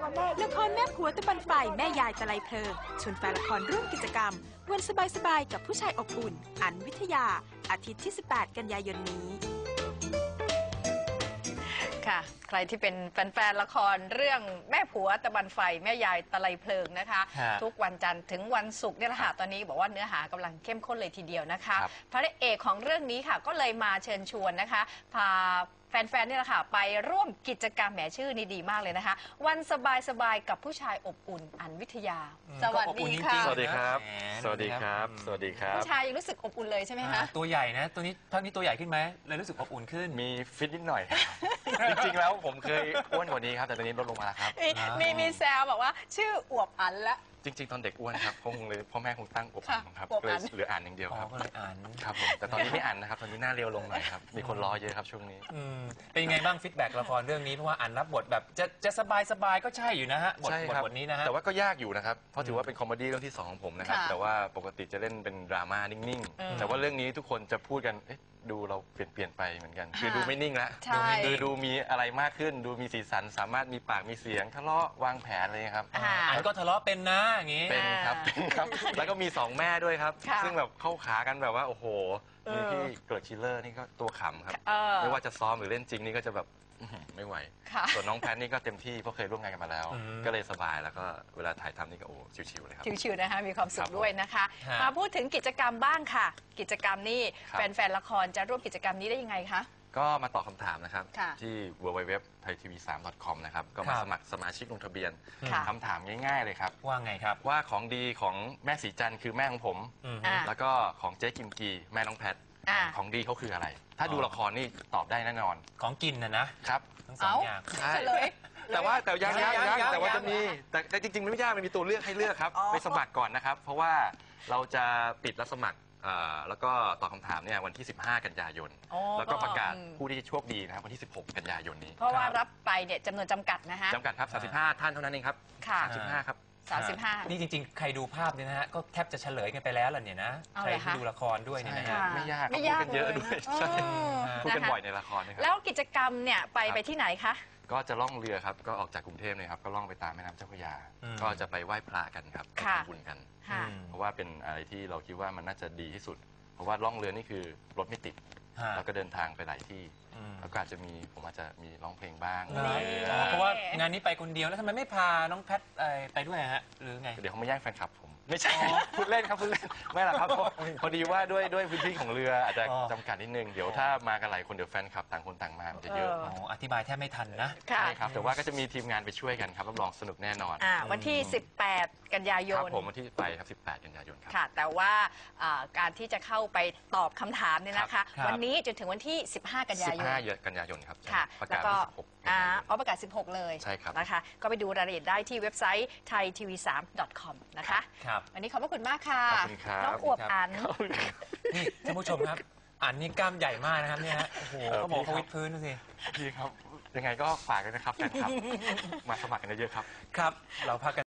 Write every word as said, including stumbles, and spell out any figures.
ละครแม่ผัวตะบันไฟแม่ยายตะไลเพลิงชวนแฟนละครร่วมกิจกรรมวันสบายๆกับผู้ชายอบอุ่นอันวิทยาอาทิตย์ที่สิบแปดกันยายนนี้ค่ะใครที่เป็นแฟนๆละครเรื่องแม่ผัวตะบันไฟแม่ยายตะไลเพลิงนะคะทุกวันจันทร์ถึงวันศุกร์เนี่ยแหละค่ะตอนนี้บอกว่าเนื้อหากำลังเข้มข้นเลยทีเดียวนะคะพระเอกของเรื่องนี้ค่ะก็เลยมาเชิญชวนนะคะพาแฟนๆนี่แหละค่ะไปร่วมกิจกรรมแหมชื่อนี่ดีมากเลยนะคะวันสบายๆกับผู้ชายอบอุ่นอันวิทยาสวัสดีค่ะสวัสดีครับสวัสดีครับสวัสดีครับผู้ชายยังรู้สึกอบอุ่นเลยใช่ไหมคะตัวใหญ่นะตัวนี้เท่านี้ตัวใหญ่ขึ้นไหมเลยรู้สึกอบอุ่นขึ้นมีฟิตนิดหน่อยจริงๆแล้วผมเคยอ้วนกว่านี้ครับแต่ตอนนี้ลดลงมาแล้วครับมีมีแซวบอกว่าชื่ออวบอันละจริงๆตอนเด็กอ้วนครับคงเลยพ่อแม่คงตั้งอบอันครับเลยเหลืออ่านอย่างเดียวครับก็เลยอ่านครับผมแต่ตอนนี้ไม่อ่านนะครับตอนนี้หน้าเรียวลงหน่อยครับมีคนรอเยอะครับช่วงนี้เป็นยังไงบ้างฟีดแบ็กละครเรื่องนี้เพราะว่าอ่านรับบทแบบจะจะสบายสบายก็ใช่อยู่นะฮะบทบทนี้นะฮะแต่ว่าก็ยากอยู่นะครับเพราะถือว่าเป็นคอมเมดี้เรื่องที่สองของผมนะครับแต่ว่าปกติจะเล่นเป็นดราม่านิ่งๆแต่ว่าเรื่องนี้ทุกคนจะพูดกันดูเราเปลี่ยนเปลี่ยนไปเหมือนกันคือดูไม่นิ่งแล้วดูดูมีอะไรมากขึ้นดูมีสีสันสามารถมีปากมีเสียงทะเลาะวางแผนเลยครับอ่านก็ทะเลาะเป็นนะอย่างงี้เป็นครับเป็นครับแล้วก็มีสองแม่ด้วยครับซึ่งแบบเข้าขากันแบบว่าโอ้โหมีพี่เกิร์ตชิลเลอร์นี่ก็ตัวขำครับไม่ว่าจะซ้อมหรือเล่นจริงนี่ก็จะแบบไม่ไหวส่วนน้องแพทนี่ก็เต็มที่เพราะเคยร่วมงานกันมาแล้วก็เลยสบายแล้วก็เวลาถ่ายทำนี่ก็โอ้ชิวๆเลยครับชิวๆนะคะมีความสุขด้วยนะคะมาพูดถึงกิจกรรมบ้างค่ะกิจกรรมนี่แฟนๆละครจะร่วมกิจกรรมนี้ได้ยังไงคะก็มาตอบคำถามนะครับที่ ดับเบิลยู ดับเบิลยู ดับเบิลยู ดับเบิลยู ดอท ไทยทีวีสาม ดอท คอม นะครับก็มาสมัครสมาชิกลงทะเบียนคำถามง่ายๆเลยครับว่าไงครับว่าของดีของแม่สีจันทร์คือแม่ของผมแล้วก็ของเจ๊กิมกีแม่น้องแพทของดีเขาคืออะไรถ้าดูละครนี่ตอบได้แน่นอนของกินนะนะครับทั้งสองอย่างใช่แต่ว่าแต่ยังยังยังแต่ว่าจะมีแต่จริงๆไม่ยากมันมีตัวเลือกให้เลือกครับไปสมัครก่อนนะครับเพราะว่าเราจะปิดรับสมัครแล้วก็ตอบคำถามเนี่ยวันที่สิบห้ากันยายนแล้วก็ประกาศผู้ที่โชคดีนะครับวันที่สิบหกกันยายนนี้เพราะว่ารับไปเนี่ยจำนวนจำกัดนะฮะจำกัดครับสามสิบห้าท่านเท่านั้นเองครับค่ะสามสิบห้าครับสามสิบห้านี่จริงๆใครดูภาพเนี่ยนะฮะก็แทบจะเฉลยกันไปแล้วล่ะเนี่ยนะใครที่ดูละครด้วยเนี่ยนะฮะไม่ยากไม่ยากเยอะด้วยพูดกันบ่อยในละครนะครับแล้วกิจกรรมเนี่ยไปไปที่ไหนคะก็จะล่องเรือครับก็ออกจากกรุงเทพเลยครับก็ล่องไปตามแม่น้ำเจ้าพระยาก็จะไปไหว้พระกันครับไปทำบุญกันเพราะว่าเป็นอะไรที่เราคิดว่ามันน่าจะดีที่สุดเพราะว่าล่องเรือนี่คือรถไม่ติดแล้วก็เดินทางไปหลายที่แล้วก็อาจจะมีผมอาจจะมีร้องเพลงบ้างเพราะว่างานนี้ไปคนเดียวแล้วทำไมไม่พาน้องแพทไปด้วยฮะหรือไงเดี๋ยวเขามาแย่งแฟนคลับผมไม่ใช่พูดเล่นครับพูดเล่นไม่หรอกครับพอดีว่าด้วยด้วยพื้นที่ของเรืออาจจะจำกัดนิดนึงเดี๋ยวถ้ามากันหลายคนเดี๋ยวแฟนคลับต่างคนต่างมาจะเยอะอธิบายแทบไม่ทันนะใช่ครับแต่ว่าก็จะมีทีมงานไปช่วยกันครับรับรองสนุกแน่นอนวันที่สิบแปดกันยายนครับผมวันที่ไปครับสิบแปดกันยายนครับค่ะแต่ว่าการที่จะเข้าไปตอบคำถามเนี่ยนะคะวันนี้จนถึงวันที่สิบห้ากันยายนสิบห้ากันยายนครับค่ะแล้วก็อ๋อประกาศสิบหกเลยใช่ครับนะคะก็ไปดูรายละเอียดได้ที่เว็บไซต์ ไทยทีวีสาม ดอท คอม นะคะครับวันนี้ขอบพระคุณมากค่ะขอบคุณครับน้องอวบอันนี่ท่านผู้ชมครับอันนี่กล้ามใหญ่มากนะครับเนี่ยฮะโอ้โหเขาบอกเขาวิดพื้นดูสิพี่ครับยังไงก็ฝากกันนะครับแฟนคลับมาสมัครกันเยอะๆครับครับเราพักกัน